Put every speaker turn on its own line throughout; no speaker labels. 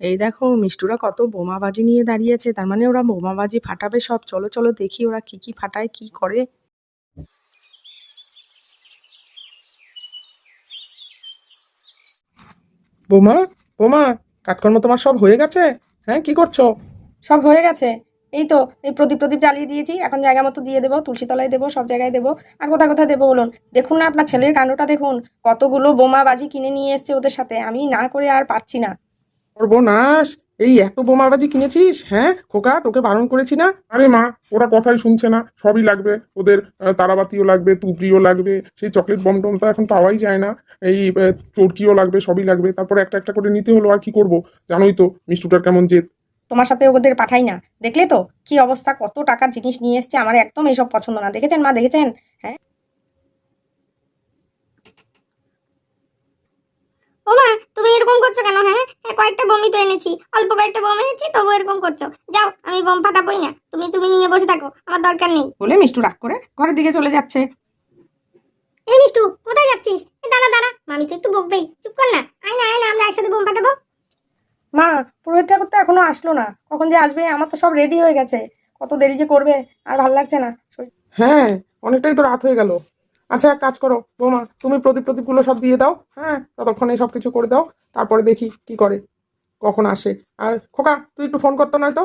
এই দেখো মিষ্টুরা কত বোমাবাজি নিয়ে দাঁড়িয়েছে, তার মানে ওরা বোমাবাজি ফাটাবে সব। চলো চলো দেখি ওরা কি কি ফাটায়, কি করে।
বোমা, বোমা, কাজকর্ম তোমার সব হয়ে গেছে? হ্যাঁ, কি করছো?
সব হয়ে গেছে। এই তো এই প্রদীপ প্রদীপ জ্বালিয়ে দিয়েছি, এখন জায়গা মতো দিয়ে দেবো, তুলসী তলায় দেবো, সব জায়গায় দেবো। আর কোথায় কোথায় দেবো বলুন? দেখুন না আপনার ছেলের কাণ্ডটা দেখুন, কতগুলো বোমাবাজি কিনে নিয়ে এসছে ওদের সাথে, আমি না করে আর পারছি না।
সর্বনাশ! এই এত বোমাবাজি কিনেছিস? হ্যাঁ খোকা, তোকে বারণ করেছি না? আরে মা, ওরা কথাই শুনছে না। সবই লাগবে ওদের। তারাবাতিও লাগবে, তুবড়িও লাগবে, সেই চকলেট বম টম তো এখন পাওয়াই যায় না। এই চরকিও লাগবে, সবই লাগবে। তারপরে একটা একটা করে নিতে হলো, আর কি করব? জানোই তো মিষ্টুটার কেমন জেদ।
তোমার সাথে ওদের পাঠাই না, দেখলে তো কি অবস্থা, কত টাকার জিনিস নিয়ে এসছে। আমার একদম এইসব পছন্দ না, দেখেছেন মা, দেখেছেন? হ্যাঁ।
ওমা, তুমি এরকম করছো কেন? হ্যাঁ হ্যাঁ, কয়েকটা বোমই তো এনেছি, অল্প কয়েকটা বোম এনেছি, তবু এরকম করছো। যাও, আমি বোম ফাটাবোই না। তুমি তুমি নিয়ে বসে থাকো, আমার দরকার নেই।
বলে মিষ্টু রাগ করে ঘরের দিকে চলে যাচ্ছে।
এই মিষ্টু, কোথায় যাচ্ছিস? দাঁড়া দাঁড়া, মামি তো একটু বকবেই, চুপ কর না। আয় না আয় না, আমরা একসাথে বোম ফাটাবো।
মা, পুরোহিত ঠাকুর তো এখনো আসলো না, কখন যে আসবে? আমার তো সব রেডি হয়ে গেছে, কত দেরি যে করবে, আর ভাল লাগছে না।
হ্যাঁ, অনেকটাই তো রাত হয়ে গেল। আচ্ছা, এক কাজ করো বোমা, তুমি প্রদীপ প্রদীপগুলো সব দিয়ে দাও। হ্যাঁ, ততক্ষণে সব কিছু করে দাও। তারপরে দেখি কি করে, কখন আসে। আর খোকা, তুই একটু ফোন করতো নয়তো।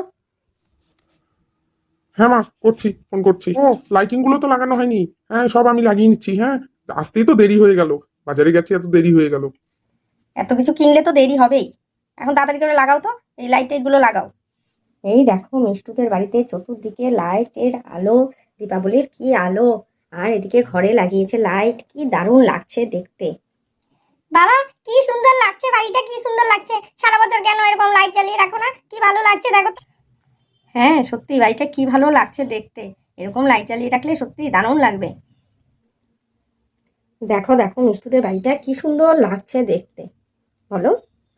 হ্যাঁ মা, করছি, ফোন করছি। ও, লাইটিং গুলো তো লাগানো হয়নি। হ্যাঁ, সব আমি লাগিয়ে নিচ্ছি। হ্যাঁ, আসতেই তো দেরি হয়ে গেল। বাজারে গেছি, এত দেরি হয়ে গেল।
এত কিছু কিনলে তো দেরি হবেই, এখন তাড়াতাড়ি করে লাগাও তো, এই লাইট টাইট গুলো লাগাও। এই দেখো মিষ্টুদের বাড়িতে চতুর্দিকে লাইটের আলো, দীপাবলির কি আলো। আর এদিকে ঘরে লাগিয়েছে লাইট, কি দারুণ লাগছে দেখতে।
বাবা, কি সুন্দর লাগছে বাড়িটা, কি সুন্দর লাগছে। সারা বছর কেন এরকম লাইট জ্বালিয়ে রাখো না? কি ভালো লাগছে দেখো তো।
হ্যাঁ সত্যি বাড়িটা কি ভালো লাগছে দেখতে, এরকম লাইট জ্বালিয়ে রাখলে সত্যি দারুণ লাগবে। দেখো দেখো মিষ্টুদের বাড়িটা কি সুন্দর লাগছে দেখতে, বলো।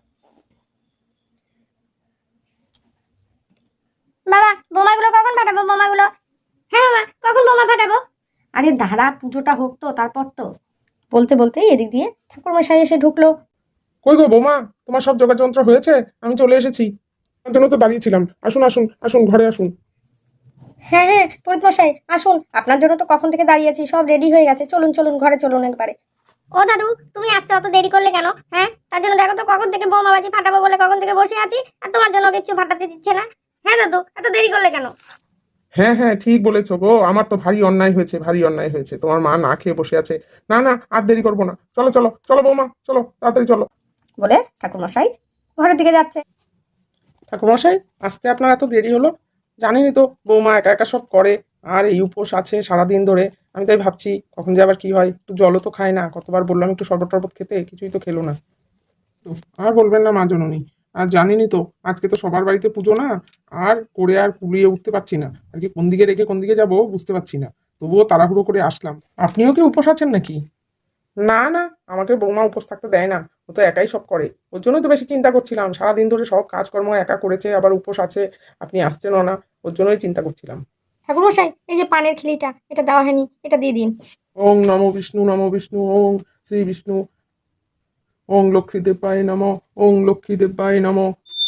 বাবা, বোমাগুলো কখন ফাটাবো? বোমাগুলো, হ্যাঁ মামা, কখন বোমা ফাটাবো?
আরে দাঁড়া, পুজোটা হোক তো, তারপর তো। বলতে বলতেই এদিক দিয়ে ঠাকুরমশাই এসে ঢুকলো।
কই গো বৌমা, তোমার সব যোগাযন্ত্র হয়েছে? আমি চলে এসেছি। আমার জন্য তো দাঁড়িয়েছিলাম। আসুন আসুন আসুন, ঘরে আসুন।
হ্যাঁ হ্যাঁ পুরোহিতমশাই আসুন, আপনার জন্য তো কখন থেকে দাঁড়িয়ে আছি, সব রেডি হয়ে গেছে, চলুন চলুন ঘরে চলুন একবারে।
ও দাদু, তুমি আসতে অত দেরি করলে কেন? হ্যাঁ, তার জন্য দেখো তো কখন থেকে বোমাবাজি ফাটাবো বলে কখন থেকে বসে আছি, আর তোমার জন্য কিছু ফাটাতে দিচ্ছে না। হ্যাঁ দাদু, এত দেরি করলে কেন?
হ্যাঁ হ্যাঁ, ঠিক বলেছো গো। আমার তো ভারী অন্যায় হয়েছে, ভারী অন্যায় হয়েছে। তোমার মা না খেয়ে বসে আছে। না না, আর দেরি করবো না। চলো চলো চলো বৌমা, চলো তাড়াতাড়ি চলো।
বলে ঠাকুরমশাই ঘরের দিকে যাচ্ছে।
ঠাকুরমশাই, আসতে আপনার এত দেরি হলো? জানেনই তো বৌমা একা একা সব করে। আর এই উপোস আছে সারাদিন ধরে। আমি তাই ভাবছি কখন যে আবার কি হয়। একটু জলও তো খায় না, কতবার বললাম একটু শরবত টরবত খেতে, কিছুই তো খেলো না। তো আর বলবেন না মা জননী। আর জানেনই তো আজকে তো সবার বাড়িতে পুজো না। আর করে আর কুলিয়ে উঠতে পারছি না আর কি, কোন দিকে রেখে কোন দিকে যাব বুঝতে পারছি না। তবুও তাড়াহুড়ো করে আসলাম। আপনিও কি উপোস আছেন নাকি? না না, আমাকে বৌমা উপোস থাকতে দেয় না। ও তো একাই সব করে। ওর জন্যই তো বেশি চিন্তা করছিলাম, সারাদিন ধরে সব কাজকর্ম একা করেছে, আবার উপোস আছে। আপনি আসছেনও না, ওর জন্যই চিন্তা করছিলাম।
ঠাকুরমশাই এই যে পানের খিলিটা, এটা দেওয়া হয়নি, এটা দিয়ে দিন।
ওং নমো বিষ্ণু, নমো বিষ্ণু, ওং শ্রী বিষ্ণু, ওং লক্ষ্মীদেবায় নমঃ, ওং লক্ষ্মীদেবায় নমঃ।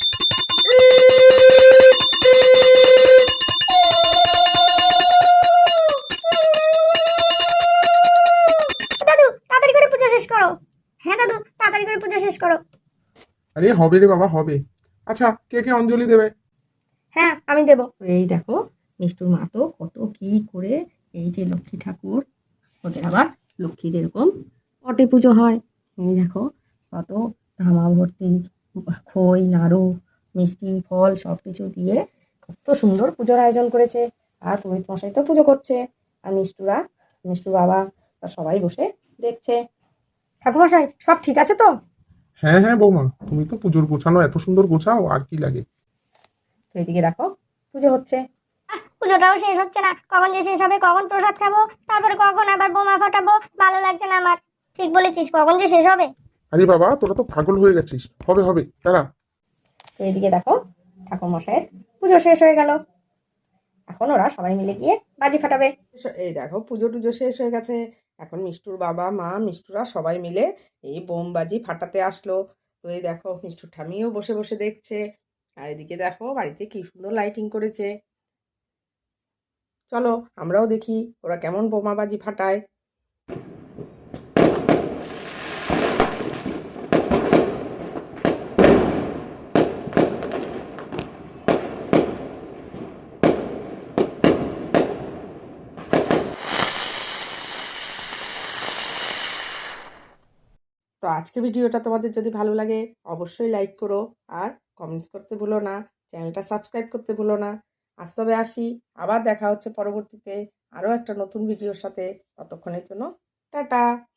দাদু, তাড়াতাড়ি করে পুজো শেষ করো। হ্যাঁ দাদু, তাড়াতাড়ি করে পুজো শেষ করো।
আরে হবে রে বাবা, হবে। আচ্ছা, কে কে অঞ্জলি দেবে?
হ্যাঁ আমি দেব। এই দেখো মিষ্টুর মা তো কত কি করে, এই যে লক্ষ্মী ঠাকুর, ওদের আবার লক্ষ্মীর এরকম পটে পুজো হয়। এই দেখো কত ধামা ভর্তি খই নাড়ু মিষ্টি ফল সব কিছু দিয়ে কত সুন্দর পুজোর আয়োজন করেছে। আর পুরোহিত মশাই তো পুজো করছে, আর মিষ্টুর বাবা সবাই বসে দেখছে। ঠাকুরমশাই সব ঠিক আছে তো?
হ্যাঁ হ্যাঁ বৌমা, তুমি তো পুজোর গোছানো এত সুন্দর গোছাও, আর কি লাগে।
তো এদিকে দেখো পুজো হচ্ছে।
পুজোটাও শেষ হচ্ছে না, কখন যে শেষ হবে, কখন প্রসাদ খাবো, তারপরে কখন আবার বোমা ফাটাবো। ভালো লাগছে না আমার। ঠিক বলেছিস, কখন যে শেষ হবে।
আরে বাবা, তোরা তো পাগল হয়ে গেছিস। হবে হবে, দাঁড়া।
তো এদিকে দেখো ঠাকুরমশাইয়ের পুজো শেষ হয়ে গেল, এখন ওরা সবাই মিলে গিয়ে বাজি ফাটাবে। এই দেখো পুজো টুজো শেষ হয়ে গেছে, এখন মিষ্টুর বাবা মা মিষ্টুরা সবাই মিলে এই বোম বাজি ফাটাতে আসলো। তো এই দেখো মিষ্টুর ঠামিও বসে বসে দেখছে, আর এদিকে দেখো বাড়িতে কি সুন্দর লাইটিং করেছে। চলো আমরাও দেখি ওরা কেমন বোমাবাজি ফাটায়। তো আজকে ভিডিওটা তোমাদের যদি ভালো লাগে অবশ্যই লাইক করো, আর কমেন্টস করতে ভুলো না, চ্যানেলটা সাবস্ক্রাইব করতে ভুলো না। আজ তবে আসি, আবার দেখা হচ্ছে পরবর্তীতে আরও একটা নতুন ভিডিওর সাথে। ততক্ষণের জন্য টাটা।